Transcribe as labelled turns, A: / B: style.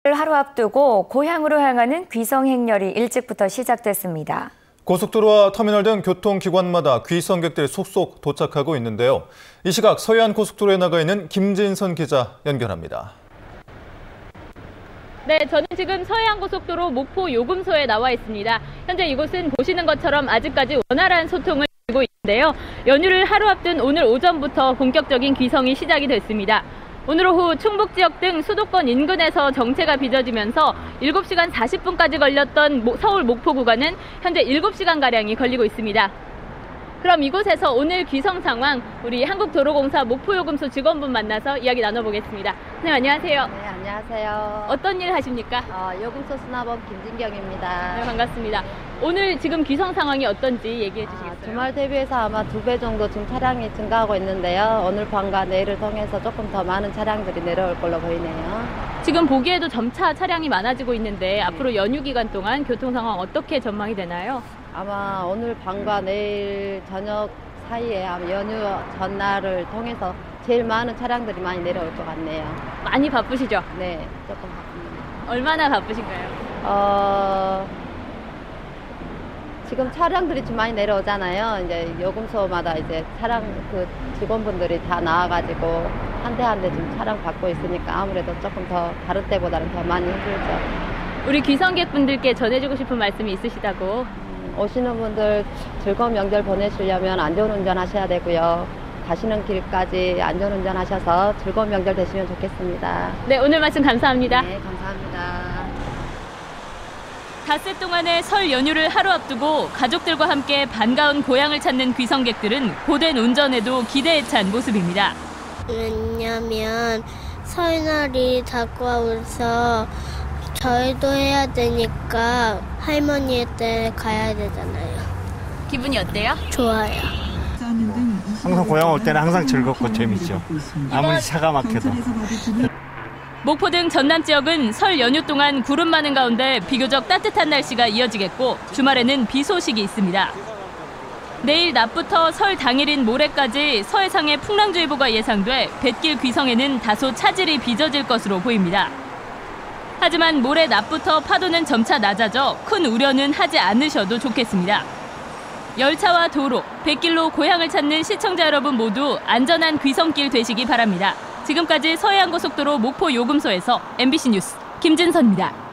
A: 하루 앞두고 고향으로 향하는 귀성 행렬이 일찍부터 시작됐습니다.
B: 고속도로와 터미널 등 교통기관마다 귀성객들이 속속 도착하고 있는데요. 이 시각 서해안 고속도로에 나가 있는 김진선 기자 연결합니다.
C: 네, 저는 지금 서해안고속도로 목포 요금소에 나와 있습니다. 현재 이곳은 보시는 것처럼 아직까지 원활한 소통을 이루고 있는데요. 연휴를 하루 앞둔 오늘 오전부터 본격적인 귀성이 시작이 됐습니다. 오늘 오후 충북 지역 등 수도권 인근에서 정체가 빚어지면서 7시간 40분까지 걸렸던 서울 목포 구간은 현재 7시간가량이 걸리고 있습니다. 그럼 이곳에서 오늘 귀성 상황 우리 한국도로공사 목포요금소 직원분 만나서 이야기 나눠보겠습니다. 선생님 안녕하세요.
D: 네, 안녕하세요.
C: 어떤 일 하십니까?
D: 요금소 수납원 김진경입니다.
C: 네, 반갑습니다. 오늘 지금 귀성 상황이 어떤지 얘기해 주시겠어요?
D: 주말 대비해서 아마 2배 정도 지금 차량이 증가하고 있는데요. 오늘 밤과 내일을 통해서 조금 더 많은 차량들이 내려올 걸로 보이네요.
C: 지금 보기에도 점차 차량이 많아지고 있는데 앞으로 연휴 기간 동안 교통 상황 어떻게 전망이 되나요?
D: 아마 오늘 밤과 내일 저녁 사이에 아마 연휴 전날을 통해서 제일 많은 차량들이 많이 내려올 것 같네요.
C: 많이 바쁘시죠?
D: 네, 조금 바쁩니다.
C: 얼마나 바쁘신가요?
D: 지금 차량들이 좀 많이 내려오잖아요. 이제 요금소마다 이제 차량 그 직원분들이 다 나와가지고 한 대 한 대 지금 차량 받고 있으니까 아무래도 조금 더 다른 때보다는 더 많이 힘들죠.
C: 우리 귀성객분들께 전해주고 싶은 말씀이 있으시다고?
D: 오시는 분들 즐거운 명절 보내시려면 안전운전 하셔야 되고요. 가시는 길까지 안전운전 하셔서 즐거운 명절 되시면 좋겠습니다.
C: 네, 오늘 말씀 감사합니다.
D: 네, 감사합니다.
C: 닷새 동안의 설 연휴를 하루 앞두고 가족들과 함께 반가운 고향을 찾는 귀성객들은 고된 운전에도 기대에 찬 모습입니다.
E: 왜냐면 설날이 다가와서 저희도 해야 되니까 할머니 댁에 가야 되잖아요.
C: 기분이 어때요?
E: 좋아요.
F: 항상 고향 올 때는 항상 즐겁고 재밌죠. 아무리 차가 막혀도.
C: 목포 등 전남 지역은 설 연휴 동안 구름 많은 가운데 비교적 따뜻한 날씨가 이어지겠고 주말에는 비 소식이 있습니다. 내일 낮부터 설 당일인 모레까지 서해상에 풍랑주의보가 예상돼 뱃길 귀성에는 다소 차질이 빚어질 것으로 보입니다. 하지만 모레 낮부터 파도는 점차 낮아져 큰 우려는 하지 않으셔도 좋겠습니다. 열차와 도로, 뱃길로 고향을 찾는 시청자 여러분 모두 안전한 귀성길 되시기 바랍니다. 지금까지 서해안고속도로 목포 요금소에서 MBC 뉴스 김진선입니다.